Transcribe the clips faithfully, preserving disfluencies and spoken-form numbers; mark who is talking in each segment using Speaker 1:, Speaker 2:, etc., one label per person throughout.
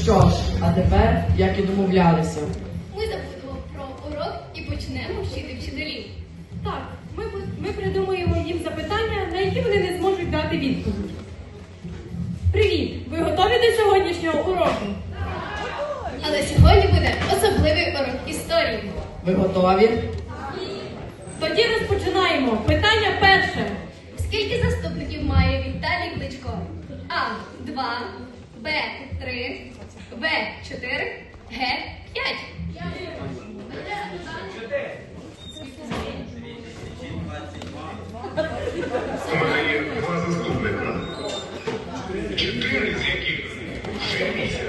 Speaker 1: що ж, а тепер, як і домовлялися.
Speaker 2: Ми забудемо про урок і почнемо вчити вчителів.
Speaker 3: Так, ми, ми придумаємо їм запитання, на які вони не зможуть дати відповідь. Привіт! Ви готові до сьогоднішнього уроку?
Speaker 2: Але сьогодні буде особливий урок історії.
Speaker 1: Ви готові?
Speaker 3: Тоді розпочинаємо. Питання перше.
Speaker 2: Скільки заступників має Віталій Кличко? А. два, Б. три, В. чотири, Г. п'ять.
Speaker 4: У мене є два заступника. Чотири з яких вже місяць.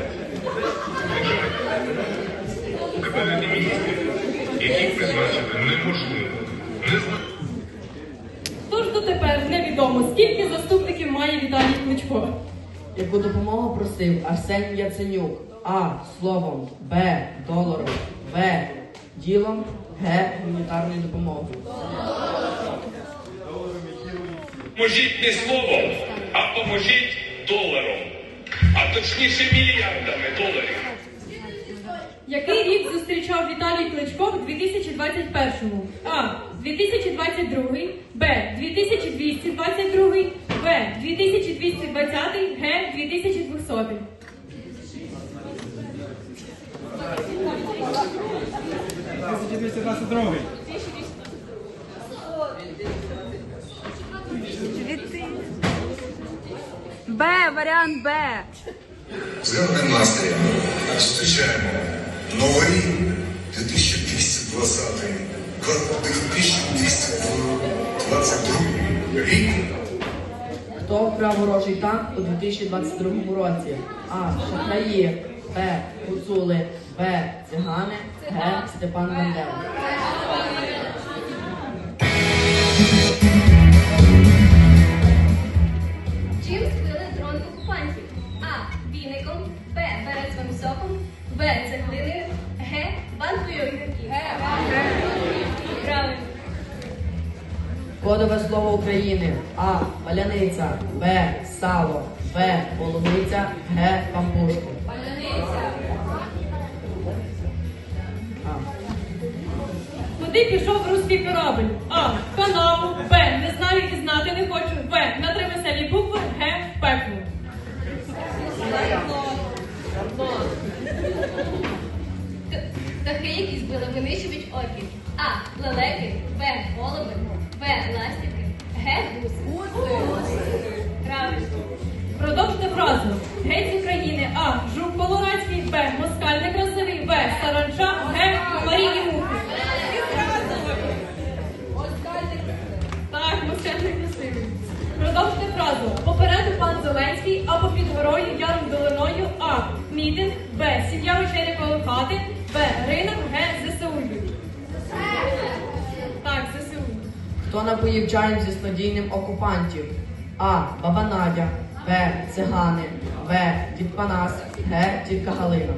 Speaker 4: Кабінети міністрів, які призначити неможливо. Не знаю.
Speaker 3: Тож дотепер невідомо, скільки заступників має Віталій Кличко.
Speaker 1: Яку допомогу просив Арсеній Яценюк? А. Словом. Б. Доларом. В. Ділом. Г. Гуманітарною допомогою.
Speaker 5: Поможіть не словом, а поможіть доларом. А точніше мільярдами доларів.
Speaker 3: Який рік зустрічав Віталій Кличко в дві тисячі двадцять першому? А. дві тисячі двадцять другий, Б. дві тисячі двісті двадцять другий, В. дві тисячі двісті двадцятий, Г. дві тисячі двохсотий.
Speaker 6: тисяча двісті двадцять другий.
Speaker 7: Б, варіант Б.
Speaker 4: З гарним настроєм зустрічаємо новий дві тисячі двісті двадцятий, дві тисячі двісті двадцять другий рік.
Speaker 1: Хто вкрав ворожий танк у дві тисячі двадцять другому році? А. Шахраї. Б. Гуцули. В. Цигани. Г. Степан Бандера.
Speaker 2: Чим збили дрон окупантів? А. Віником, Б. Березовим соком, В. Цеглиною, Г. Банкою огірків. Правильно.
Speaker 1: Кодове слово України. А. Паляниця. Б. Сало. В. Полуниця. Г. Пампушки. А.
Speaker 3: Куди пішов руський корабель? А. В канаву. Б. Не знаю і знати не хочу. В. На три веселі букви. Г. В пекло.
Speaker 2: Т- Птахи, які збили винищувач орків. А. Лелеки, Б. Голуби, В. Ластівки, Г. Гуси. Правильно.
Speaker 3: Продовжте фразу. Геть з України. А. Жук Колорадський. Б. Москаль некрасивий. В. Саранча. Г. Комарі і мухи. Так, москаль некрасивий. Продовжте фразу. Попереду пан Зеленський або під горою яром долиною. А. Мітинг. Б. Сім'я вечеря коло хати. Б. Ринок. Г. ЗСУ. Так, ЗСУ.
Speaker 1: Хто напоїв чаєм зі снодійним окупантів? А. Баба Надя. Б. Цигани. В. Дід Панас. Г. Тітка Галина.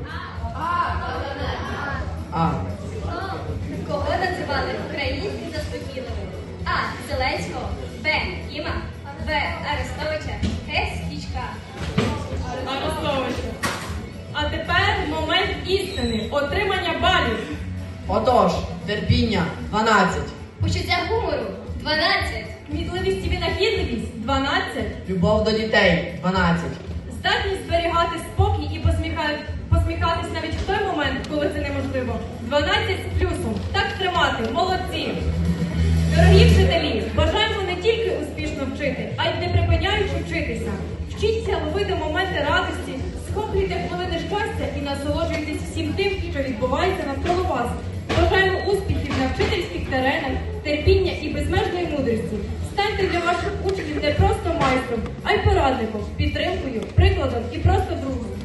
Speaker 1: А.
Speaker 2: Кого називали українським заспокійливим? А. Зеленського, Б. Кіма, В. Арестовича, Г. Стічка.
Speaker 3: Арестовича. А тепер момент істини. Отримання балів.
Speaker 1: Отож, терпіння дванадцять.
Speaker 2: Почуття гумору дванадцять.
Speaker 3: Кмітливість і винахідливість дванадцять.
Speaker 1: Любов до дітей дванадцять.
Speaker 3: Здатність зберігати спокій і посміха- посміхатись навіть в той момент, коли це неможливо. дванадцять з плюсом. Так тримати. Молодці. Дорогі вчителі, бажаємо не тільки успішно вчити, а й не припиняючи вчитися. Вчіться ловити моменти радості, схоплюйте хвилини щастя і насолоджуйтесь всім тим, що відбувається навколо вас. Бажаємо успіхів на вчительських теренах, терпіння і безмежної мудрості. Станьте для ваших учнів не просто майстром, а й порадником, підтримкою, прикладом і просто другом.